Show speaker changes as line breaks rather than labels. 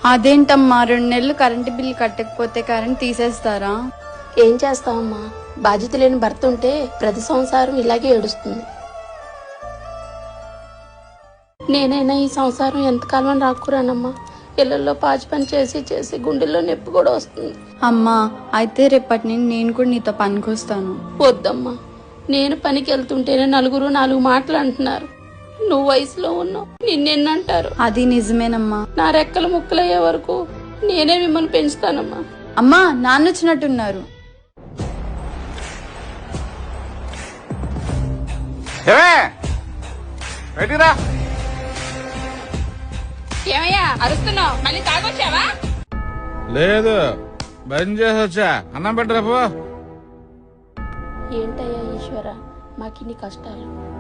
అదేంటమ్మా 2 నెలలు current bill కట్టకపోతే కరెంట్ తీసేస్తారా?
ఏం చేస్తావమ్మా, బాధ్యత లేని భర్త ఉంటే ప్రతి సంసారం ఇలాగే ఏడుస్తుంది. నేనైనా ఈ సంసారం ఎంతకాలం రాకురానమ్మా. ఇళ్లలో పాచి పని చేసి చేసి గుండెల్లో నొప్పి కూడా వస్తుంది.
అమ్మా అయితే రేపటి నుండి నేను కూడా నీతో పనికొస్తాను.
వద్దమ్మా, నేను పనికి వెళ్తుంటేనే నలుగురు 4 మాటలు అంటున్నారు. నువ్వు వయసులో ఉన్నావు, నిన్నెన్నంటారు.
అది నిజమేనమ్మా.
నా రెక్కలు ముక్కలయ్యే వరకు నేనే మిమ్మల్ని పెంచుతానమ్మా.
అమ్మా నాన్న వచ్చినట్టున్నారు.
ఏమయ్యా అరుస్తున్నావు? మళ్ళీ తాగొచ్చావా?
లేదు, బంద్ చేసి వచ్చా. అన్నం పెట్టరాపో.
ఏంటయ్యా ఈశ్వర, మాకిన్ని కష్టాలు.